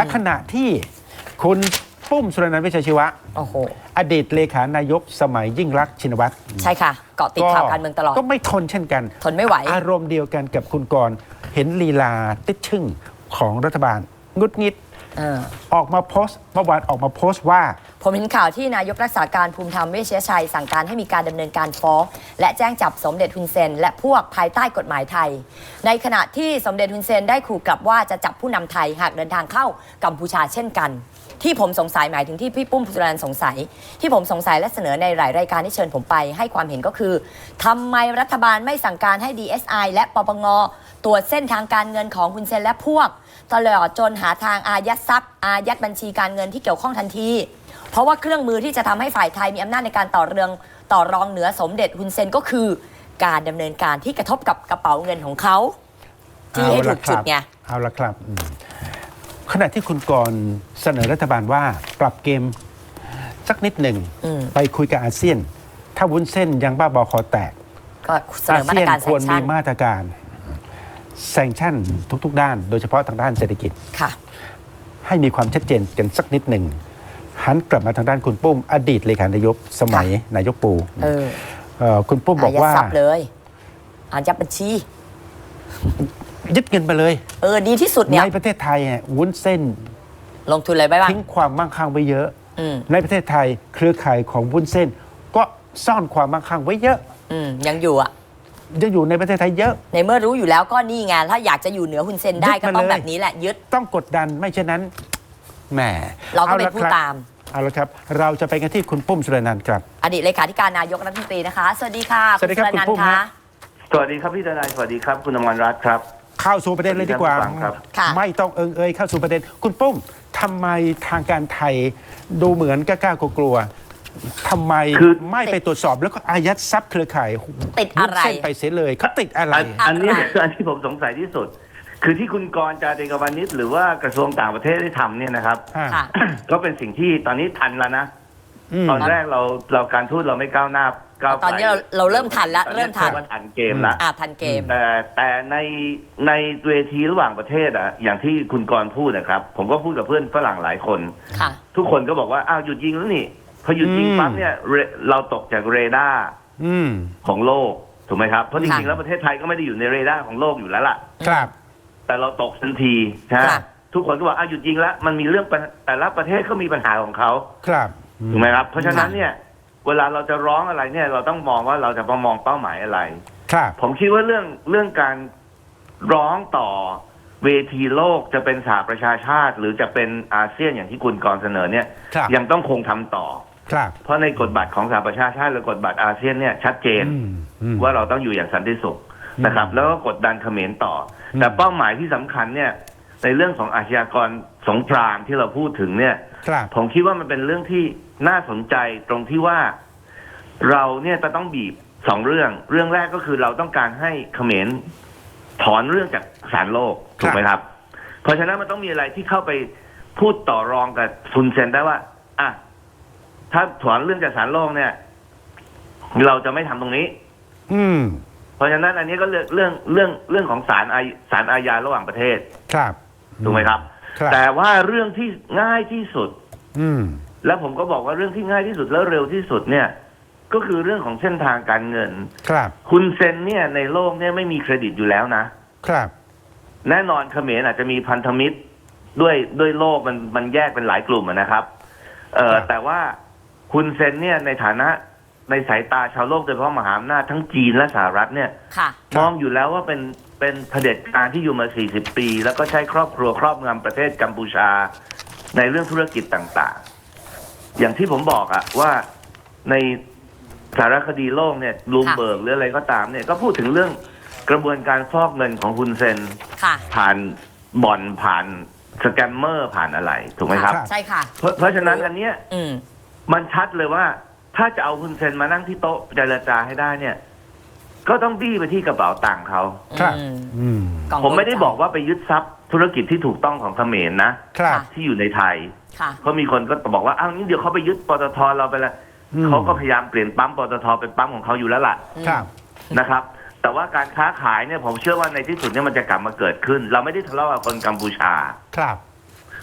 ขณะที่คุณปุ้มสุรนันท์เวชชชีวะโอ้โหอดีตเลขานายกสมัยยิ่งรักษณ์ชินวัตรใช่ค่ะ เกาะติดข่าวการเมืองตลอดก็ไม่ทนเช่นกันทนไม่ไหวอารมณ์เดียวกันกับคุณกรณ์เห็นลีลาติดชึ่งของรัฐบาลงุดงิดออกมาโพสต์เมื่อวานออกมาโพสต์ว่าผมเห็นข่าวที่นายกรักษาการภูมิธรรมเวชยชัยสั่งการให้มีการดำเนินการฟ้องและแจ้งจับสมเด็จฮุนเซนและพวกภายใต้กฎหมายไทยในขณะที่สมเด็จฮุนเซนได้ขู่กลับว่าจะจับผู้นำไทยหากเดินทางเข้ากัมพูชาเช่นกันที่ผมสงสัยหมายถึงที่พี่ปุ้มสุรนันท์สงสัยที่ผมสงสัยและเสนอในหลายรายการที่เชิญผมไปให้ความเห็นก็คือทำไมรัฐบาลไม่สั่งการให้ DSI และปปงตรวจเส้นทางการเงินของฮุนเซนและพวกตลอดจนหาทางอายัดทรัพย์อายัดบัญชีการเงินที่เกี่ยวข้องทันทีเพราะว่าเครื่องมือที่จะทำให้ฝ่ายไทยมีอำนาจในการต่อรองเหนือสมเด็จฮุนเซนก็คือการดำเนินการที่กระทบกับกระเป๋าเงินของเขาที่ให้ถูกจุดไงเอาละครับขณะที่คุณกรณ์เสนอรัฐบาลว่าปรับเกมสักนิดหนึ่งไปคุยกับอาเซียนถ้าวุ้นเส้นยังบ้าบอคอแตกก็เสนอมาตรการควรมีมาตรการแซงชั่นทุกๆด้านโดยเฉพาะทางด้านเศรษฐกิจค่ะให้มีความชัดเจนกันสักนิดหนึ่งหันกลับมาทางด้านคุณปุ้มอดีตเลขานายกสมัยนายกปูคุณปุ้มบอกว่าอายัดทรัพย์เลยอายัดบัญชียึดเงินไปเลยดีที่สุดเนี่ยในประเทศไทยวุ้นเส้นลงทุนอะไรไปบ้างทิ้งความมั่งคั่งไว้เยอะในประเทศไทยเครือข่ายของวุ้นเส้นก็ซ่อนความมั่งคั่งไว้เยอะยังอยู่ยังอยู่ในประเทศไทยเยอะในเมื่อรู้อยู่แล้วก็นี่ไงถ้าอยากจะอยู่เหนือฮุนเซนได้ก็ต้องแบบนี้แหละยึดต้องกดดันไม่เช่นนั้นแหมเราก็เป็นผู้ตามเอาละครับเราจะไปกันที่คุณปุ้มสุรนันท์ครับอดีตเลขาธิการนายกรัฐมนตรีนะคะสวัสดีค่ะสวัสดีครับคุณปุ้มคะสวัสดีครับพี่ทนายสวัสดีครับคุณอมรรัตน์ครับเข้าสู่ประเด็นเลยดีกว่าไม่ต้องเอ่ยเข้าสู่ประเด็นคุณปุ้มทำไมทางการไทยดูเหมือนกล้ากลัวทำไมไม่ไปตรวจสอบแล้วก็อายัดทรัพย์เครือข่ายติดอะไรเส้นไปเสียเลยเขาติดอะไรอันนี้ผมสงสัยที่สุดคือที่คุณกรณ์ จาติกวานิชหรือว่ากระทรวงต่างประเทศได้ทำเนี่ยนะครับก็เป็นสิ่งที่ตอนนี้ทันแล้วนะตอนแรกเราการทูตเราไม่ก้าวหน้าตอนนี้เราเริ่มทันแล้วเริ่มทันเกมละทันเกมแต่ในเวทีระหว่างประเทศอย่างที่คุณกรณ์พูดนะครับผมก็พูดกับเพื่อนฝรั่งหลายคนทุกคนก็บอกว่าอ้าวหยุดยิงแล้วนี่พอหยุดยิงปั๊บเนี่ยเราตกจากเรดาร์ของโลกถูกไหมครับเพราะจริงๆแล้วประเทศไทยก็ไม่ได้อยู่ในเรดาร์ของโลกอยู่แล้วล่ะครับแต่เราตกทันทีนะทุกคนก็บอกหยุดยิงแล้วมันมีเรื่องแต่ละประเทศก็มีปัญหาของเขาครับถูกไหมครับเพราะฉะนั้นเนี่ยเวลาเราจะร้องอะไรเนี่ยเราต้องมองว่าเราจะมองเป้าหมายอะไรครับผมคิดว่าเรื่องการร้องต่อเวทีโลกจะเป็นสหประชาชาติหรือจะเป็นอาเซียนอย่างที่คุณกรณ์เสนอเนี่ยยังต้องคงทำต่อเพราะในกฎบัตรของสหประชาชาติและกฎบัตรอาเซียนเนี่ยชัดเจนว่าเราต้องอยู่อย่างสันติสุขนะครับแล้วก็กดดันเขมรต่อแต่เป้าหมายที่สำคัญเนี่ยในเรื่องของอาชญากรสงครามที่เราพูดถึงเนี่ยผมคิดว่ามันเป็นเรื่องที่น่าสนใจตรงที่ว่าเราเนี่ยจะต้องบีบ2 เรื่องแรกก็คือเราต้องการให้เขมรถอนเรื่องจากศาลโลกถูกไหมครับเพราะฉะนั้นมันต้องมีอะไรที่เข้าไปพูดต่อรองกับฮุนเซนได้ว่าถ้าถอนเรื่องจากศาลโลกเนี่ยเราจะไม่ทำตรงนี้เพราะฉะนั้นอันนี้ก็เรื่องของศาลอาญาระหว่างประเทศครับถูกไหมครับแต่ว่าเรื่องที่ง่ายที่สุดแล้วผมก็บอกว่าเรื่องที่ง่ายที่สุดแล้วเร็วที่สุดเนี่ยก็คือเรื่องของเส้นทางการเงินครับคุณเซนเนี่ยในโลกเนี่ยไม่มีเครดิตอยู่แล้วนะครับแน่นอนเขมรอาจจะมีพันธมิตรด้วยโลกมันแยกเป็นหลายกลุ่มนะครับแต่ว่าคุณเซนเนี่ยในฐานะในสายตาชาวโลกโดยเฉพาะมหาอำนาจทั้งจีนและสหรัฐเนี่ยมองอยู่แล้วว่าเป็นเผด็จการที่อยู่มา40 ปีแล้วก็ใช้ครอบครัวครอบงำประเทศกัมพูชาในเรื่องธุรกิจต่างๆอย่างที่ผมบอกว่าในสารคดีโลกเนี่ยบลูมเบิร์กหรืออะไรก็ตามเนี่ยก็พูดถึงเรื่องกระบวนการฟอกเงินของฮุนเซนผ่านบ่อนผ่านสแกมเมอร์ผ่านอะไรถูกไหมครับใช่ค่ะเพราะฉะนั้นอันเนี้ยมันชัดเลยว่าถ้าจะเอาฮุนเซนมานั่งที่โต๊ะเจรจาให้ได้เนี่ยก็ต้องบี้ไปที่กระเป๋าตังค์เขาผมไม่ได้บอกว่าไปยึดทรัพย์ธุรกิจที่ถูกต้องของเขมรนะที่อยู่ในไทยเพราะมีคนก็บอกว่าอ้าวนี่เดี๋ยวเขาไปยึดปตทเราไปแล้วเขาก็พยายามเปลี่ยนปั๊มปตทเป็นปั๊มของเขาอยู่แล้วล่ะนะครับแต่ว่าการค้าขายเนี่ยผมเชื่อว่าในที่สุดเนี่ยมันจะกลับมาเกิดขึ้นเราไม่ได้ทะเลาะกับคนกัมพูชา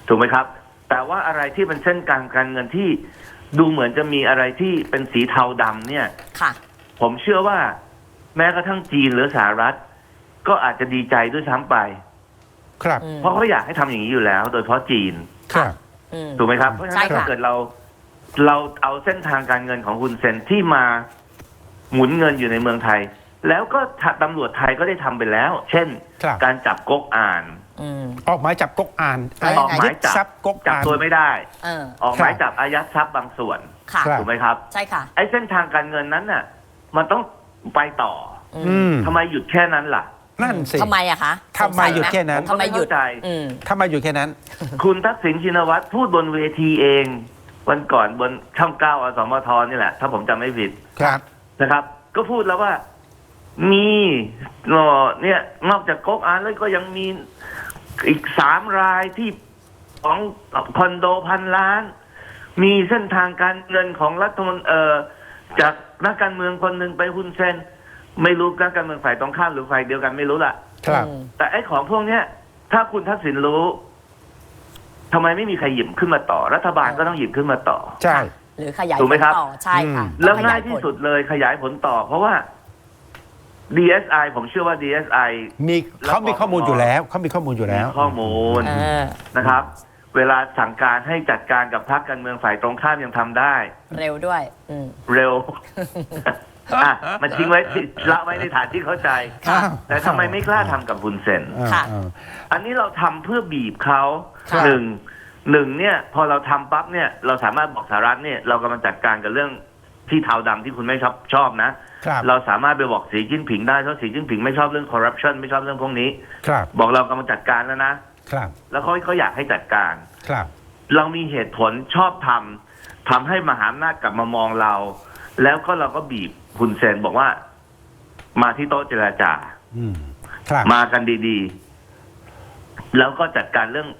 ถูกไหมครับ แต่ว่าอะไรที่เป็นเส้นการเงินที่ดูเหมือนจะมีอะไรที่เป็นสีเทาดำเนี่ยค่ะผมเชื่อว่าแม้กระทั่งจีนหรือสหรัฐก็อาจจะดีใจด้วยซ้ำไปครับเพราะเขาอยากให้ทำอย่างนี้อยู่แล้ว โดยเฉพาะจีนครับถูกไหมครับ เพราะฉะนั้นถ้าเกิดเราเอาเส้นทางการเงินของฮุนเซนที่มาหมุนเงินอยู่ในเมืองไทย แล้วก็ตำรวจไทยก็ได้ทำไปแล้ว เช่นครับการจับก๊กอ่านออกหมายจับก๊กอ่านแล้วยังไงออกหมายจับทรัพย์ก๊กจับอ่านตัวไม่ได้ ออกหมายครับจับอายัดทรัพย์บางส่วนค่ะครับถูกไหมครับใช่ค่ะไอ้เส้นทางการเงินนั้นน่ะ มันต้องไปต่ออืมทำไมหยุดแค่นั้นล่ะนั่นสิทำไมอะคะทำไมหยุดแค่นั้นทำไมหยุดผมก็ไม่เข้าใจทำไมอยู่แค่นั้นคุณทักษิณชินวัตรพูดบนเวทีเอง วันก่อนบนช่อง9 อสมทนี่แหละ ถ้าผมจำไม่ผิดครับนะครับ ก็พูดแล้วว่ามีเนี่ยนอกจากก๊กอ่านแล้วก็ยังมีอีก3 รายที่ของคอนโด1,000 ล้าน มีเส้นทางการเงินของรัฐมนตรีจากนักการเมืองคนหนึ่งไปฮุนเซน ไม่รู้นักการเมืองฝ่ายตรงข้ามหรือฝ่ายเดียวกันไม่รู้ล่ะครับแต่ไอ้ของพวกเนี้ย ถ้าคุณทักษิณรู้ทำไมไม่มีใครหยิบขึ้นมาต่อ รัฐบาลก็ต้องหยิบขึ้นมาต่อใช่หรือขยายถูกไหมครับต่อใช่ค่ะแล้วต้องขง่ายที่สุดเลยขยายผลต่อ เพราะว่า DSI ผมเชื่อว่า DSI เขามีข้อมูลอยู่แล้วเขามีข้อมูลอยู่แล้วมีข้อมูลเออนะครับ เวลาสั่งการให้จัดการกับพรรคการเมืองฝ่ายตรงข้ามยังทำได้เร็วด้วยเร็ว มันทิ้งไว้ละไว้ในฐานที่เข้าใจค่ะแต่ทำไมไม่กล้าทำกับฮุนเซนค่ะอันนี้เราทำเพื่อบีบเขาครับหนึ่งเนี่ยพอเราทำปั๊บเนี่ยเราสามารถบอกสหรัฐเนี่ยเรากำลังจัดการกับเรื่องที่เทาดำที่คุณไม่ชอบนะครับเราสามารถไปบอกสีจิ้นผิงได้เพราะสีจิ้นผิงไม่ชอบเรื่องคอร์รัปชันไม่ชอบเรื่องพวกนี้ครับบอกเรากำลังจัดการแล้วนะครับแล้วเขาอยากให้จัดการครับเรามีเหตุผลชอบทำให้มหาอำนาจกลับมามองเรา แล้วก็เราก็บีบฮุนเซนบอกว่ามาที่โต๊ะเจรจาอืมครับมากันดีๆ แล้วก็จัดการเรื่อง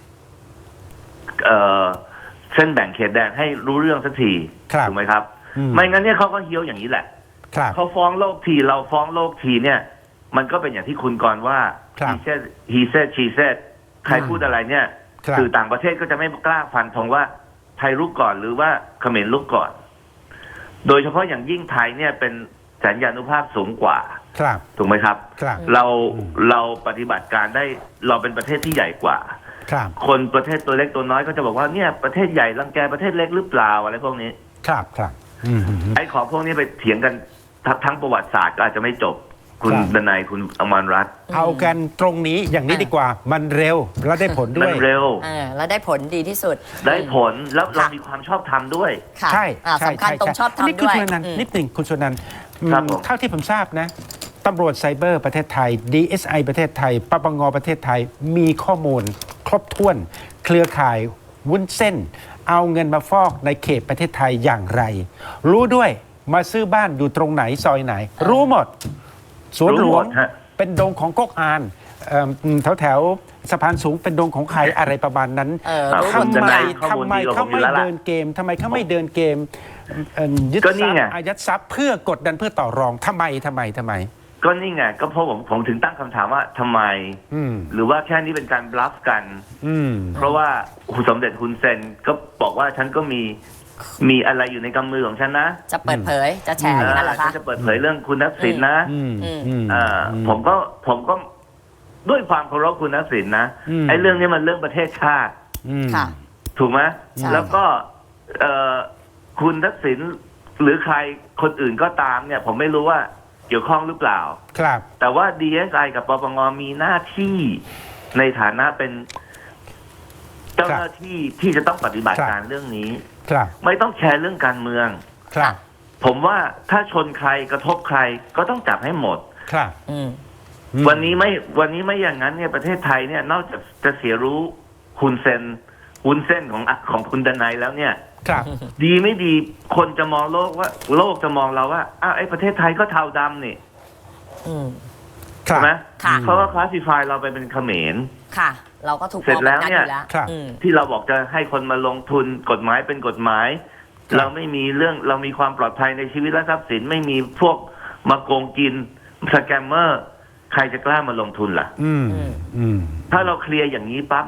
เส้นแบ่งเขตแดนให้รู้เรื่องสักทีครับถูกไหมครับ ไม่งั้นเนี่ยเขาก็เฮี้ยวอย่างนี้แหละครับเขาฟ้องโลกทีเราฟ้องโลกทีเนี่ย มันก็เป็นอย่างที่คุณกรณ์ว่าครับ he said she said ใครพูดอะไรเนี่ยครับสื่อต่างประเทศก็จะไม่กล้าฟันธงว่าไทยลุกก่อนหรือว่าเขมรลุกก่อน โดยเฉพาะอย่างยิ่งไทยเนี่ยเป็นสัญญานุภาพสูงกว่าครับถูกไหมครับครับเราปฏิบัติการได้เราเป็นประเทศที่ใหญ่กว่าครับคนประเทศตัวเล็กตัวน้อยก็จะบอกว่าเนี่ยประเทศใหญ่รังแกประเทศเล็กหรือเปล่าอะไรพวกนี้ครับครับอืมไอ้ของพวกนี้ไปเถียงกันทั้งประวัติศาสตร์ก็อาจจะไม่จบ คุณครับดนัยคุณอมรรัตน์เอากันตรงนี้อย่างนี้ดีกว่า มันเร็วและได้ผลด้มัวน ยเร็วแล้วได้ผลดีที่สุดได้ผลแล้วเราค่ะมีความชอบธรรมด้วยค่ะใช่สำคัญตรงชอบนนี้ทำคุณด้วยชนันท์นิดหนึ่งคุณชนันท์ครับผมเท่าที่ผมทราบนะตำรวจไซเบอร์ประเทศไทย DSI ประเทศไทยปปงประเทศไทยมีข้อมูลครบถ้วน เครือข่ายวุ้นเส้น เอาเงินมาฟอกในเขตประเทศไทยอย่างไร รู้ด้วยมาซื้อบ้านอยู่ตรงไหนซอยไหน รู้หมด สวนหลรู้วหมงดฮะเป็นดงของก๊กอานแถวสะพานสูงเป็นดงของใครอะไรประมาณนั้นรู้หมดทำไมข้อมูลดีกว่าเขาผมอยู่ไม่แล้วล่ะเดินเกมทำไมเขาไม่เดินเกมยึดก็ทนี่รัพไงย์อายัดทรัพย์เพื่อกดดันเพื่อต่อรองทำไมก็นี่ไงก็เพราะผมถึงตั้งคำถามว่าทำไมอืมหรือว่าแค่นี้เป็นการบลัฟกันอืมเพราะว่าสมเด็จฮุนเซนก็บอกว่าฉันก็มีอะไรอยู่ในกำมือของฉันนะจะเปิดเผยจะแชร์อย่างนั้นเหรอฉัคะนจะเปิดเผยเรื่องคุณทักษิณนะอืมอืมผมก็ด้วยความเคารพคุณทักษิณนะอืมไอ้เรื่องนี้มันเรื่องประเทศชาติอืมค่ะถูกไหมใช่แล้วก็คุณทักษิณหรือใครคนอื่นก็ตามเนี่ย ผมไม่รู้ว่าเกี่ยวข้องหรือเปล่าครับแต่ว่า DSI กับปปงมีหน้าที่ในฐานะเป็นเจ้าหน้าที่ที่จะต้องปฏิบัติการเรื่องนี้ครับไม่ต้องแชร์เรื่องการเมืองครับผมว่าถ้าชนใครกระทบใครก็ต้องจับให้หมดครับวันนี้ไม่อย่างนั้นเนี่ยประเทศไทยเนี่ยนอกจากจะเสียรู้ฮุนเซนของคุณดนัยแล้วเนี่ยครับดีไม่ดีคนจะมองโลกจะมองเราว่าอ้าวไอ้ประเทศไทยก็เทาดำนี่ครัใช่บไหมค่ะเพราะว่าคลาสสิฟายเราไปเป็นเขมรค่ะ เราก็ถูกเสร็จแล้วเนี่ยมองแบบอยู่ครับที่เราบอกจะให้คนมาลงทุนกฎหมายเป็นกฎหมายครับเราไม่มีเรื่องเรามีความปลอดภัยในชีวิตและทรัพย์สินไม่มีพวกมาโกงกินสแกมเมอร์ ใครจะกล้ามาลงทุนล่ะอืมอืมถ้าเราเคลียร์อย่างนี้ปั๊บเนี่ย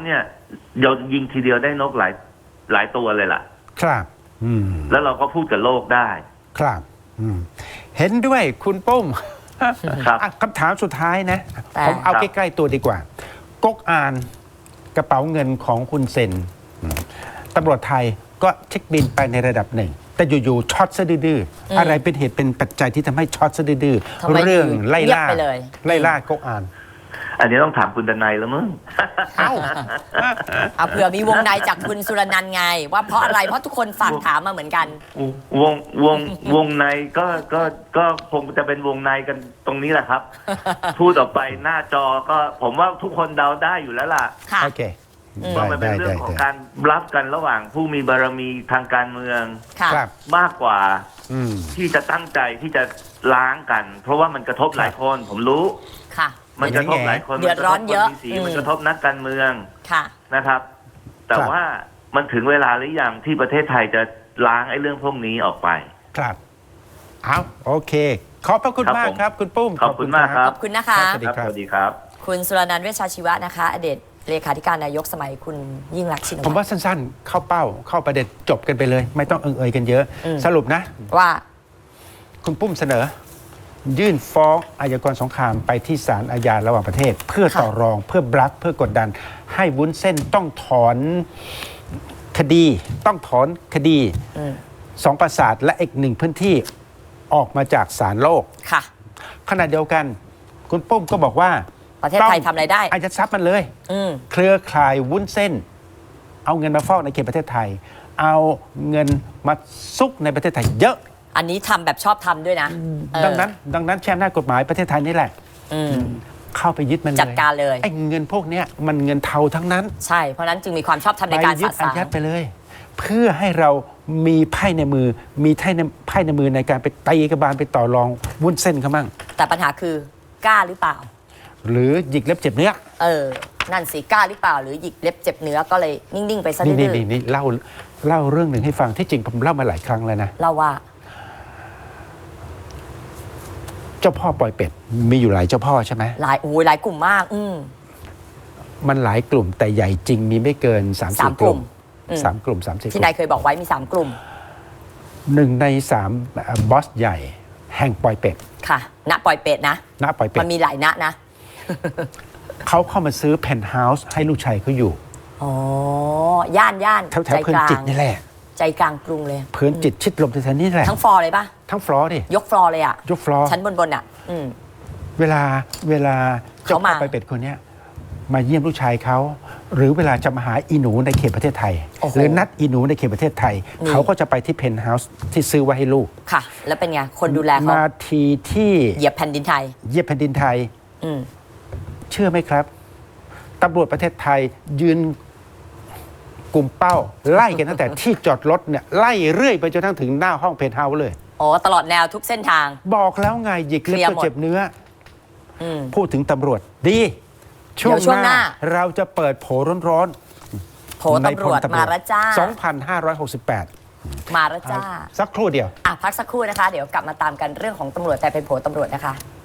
เรายิงทีเดียวได้นกหลายตัวเลยล่ะครับแล้วเราก็พูดกับโลกได้ครับเห็นด้วยคุณปุ้มครับคำถามสุดท้ายนะ ผมเอาครับใกล้ๆตัวดีกว่าก๊กอานกระเป๋าเงินของคุณเซนตำรวจไทยก็เช็คบินไปในระดับหนึ่ง แต่อยู่ๆช็อตซะดื้อๆอะไรเป็นเหตุเป็นปัจจัยที่ทำให้ช็อตซะดื้อทำไมๆเรื่องไล่ล่าเงียบไปเลยไล่ล่าก๊กอานอันนี้ต้องถามคุณดนัยแล้วมึงเอ้าเอาเผื่อมีวงในจากคุณสุรนันท์ไง ว่าเพราะอะไรเพราะทุกคนฝากถามมาเหมือนกันวงในก็คงจะเป็นวงในกันตรงนี้แหละครับ พูดออกไปหน้าจอก็ผมว่าทุกคนเดาได้อยู่แล้วล่ะค่ะโอเคว่ามันเป็นเรื่องของการรับกันระหว่างผู้มีบารมีทางการเมืองค่ะครับมากกว่าอืมที่จะตั้งใจที่จะล้างกัน เพราะว่ามันกระทบหลายคน ผมรู้ค่ะมันกระทบหลายคนเดือดร้อนเยอะมันกระทบคนมีสีมันกระทบนักการเมืองค่ะนะครับ แต่ครับว่ามันถึงเวลาหรือยังที่ประเทศไทยจะล้างไอ้เรื่องพวกนี้ออกไปครับเอาโอเค ขอบพระคุณครับมากผมครับ คุณปุ้มขอบคุณมากครับขอบคุณนะคะสวัสดีครับสวัสดีครับคุณสุรนันท์เวชชาชีวะนะคะ อดีตเลขาธิการนายกสมัยคุณยิ่งรักษณ์ชินผมวัตว่าร สั้นๆ เข้าเป้าเข้าประเด็นจบกันไปเลย ไม่ต้องเอ่ยกันเยอะ สรุปนะว่าคุณปุ้มเสนอ ยื่นฟ้องอัยกรสงครามไปที่ศาลอาญาระหว่างประเทศ เพื่อค่ะต่อรองเพื่อบลัฟเพื่อกดดัน ให้วุ้นเส้นต้องถอนคดี ต้องถอนคดีสองปราสาทและอีกหนึ่งพื้นที่ออกมาจากศาลโลกค่ะขณะเดียวกัน คุณปุ้มก็บอกว่าประเทศไทยทำอะไรได้อายัดทรัพย์มันเลยอืมเครือข่ายวุ้นเส้น เอาเงินมาฟอกในเขตประเทศไทย เอาเงินมาซุกในประเทศไทยเยอะอันนี้ทำแบบชอบทำด้วยนะเออดังนั้นแชมป์หน้ากฎหมายประเทศไทยนี่แหละอืมเข้าไปยึดมันเลยจัดการเลยไอ้เงินพวกเนี้ยมันเงินเทาทั้งนั้นใช่ เพราะฉะนั้นจึงมีความชอบธรรมในการยึสะดอาสางยัดไปเลย เพื่อให้เรามีไพ่ในมือ มีไพ่ในมือในการไปตีกระบาลไปต่อรองวุ้นเส้นเขามั่งแต่ปัญหาคือกล้าหรือเปล่าหรือหยิกเล็บเจ็บเนื้อนั่นสิกล้าหรือเปล่า หรือหยิกเล็บเจ็บเนื้อก็เลยนิ่ง ๆ ไปซะดื้อนี่เล่าเรื่องหนึ่งให้ฟังที่จริงผมเล่ามาหลายครั้งแล้วนะๆเราว่าเจ้าพ่อปล่อยเป็ดมีอยู่หลายเจ้าพ่อใช่ไหมหลายกลุ่มมากมันหลายกลุ่มแต่ใหญ่จริงมีไม่เกิน3-4 สามกลุ่มอืม 3 กลุ่ม 3-4 กที่ลุ่นายเคยบอกไว้มี 3 กลุ่มม1 ใน 3บอสใหญ่แห่งปล่อยเป็ดค่ะ ณ ปล่อยเป็ดนะณปล่อยเป็ดมันมีหลายณนะเขาเข้ามาซื้อเพนท์เฮาส์ให้ลูกชายเขาอยู่อ๋อย่านแถวเพลินจิตนี่แหละใจกลางกรุงเลยเพลินจิตชิดลมแถวๆนี่แหละทั้งฟลอร์เลยปะทั้งฟลอร์ดิยกฟลอร์เลยอะยกฟลอร์ชั้นบนอ่ะเวลาเจ้าเขาพ่มาอปล่อยเป็ดคนเนี้ยมาเยี่ยมลูกชายเขาหรือเวลาจะมาหาอีหนูในเขตประเทศไทยโอ้โหหรือนัดอีหนูในเขตประเทศไทย เขาก็จะไปที่เพนท์เฮาส์ที่ซื้อไว้ให้ลูกค่ะ แล้วเป็นไง คนดูแลเขามาทีที่เหยียบแผ่นดินไทยเยียบแผ่นดินไทยอืมเชื่อไหมครับตำรวจประเทศไทยยืนกลุ่มเป้า ไล่กันตั้งแต่ที่จอดรถเนี่ยไล่เรื่อยไปจนทั้งถึงหน้าห้องเพนท์เฮาส์เลยอ๋อ ตลอดแนวทุกเส้นทางบอกแล้วไงหยิกเล็บเคลียร์ก็หมดเจ็บเนื้ออืมพูดถึงตำรวจดีเดี๋ยวช่วงหน้าเราจะเปิดโผร้อนโผตำรวจมาแล้วจ้า 2568 มาแล้วจ้าสักครู่เดียวพักสักครู่นะคะ เดี๋ยวกลับมาตามกันเรื่องของตำรวจแต่เป็นโผตำรวจนะคะ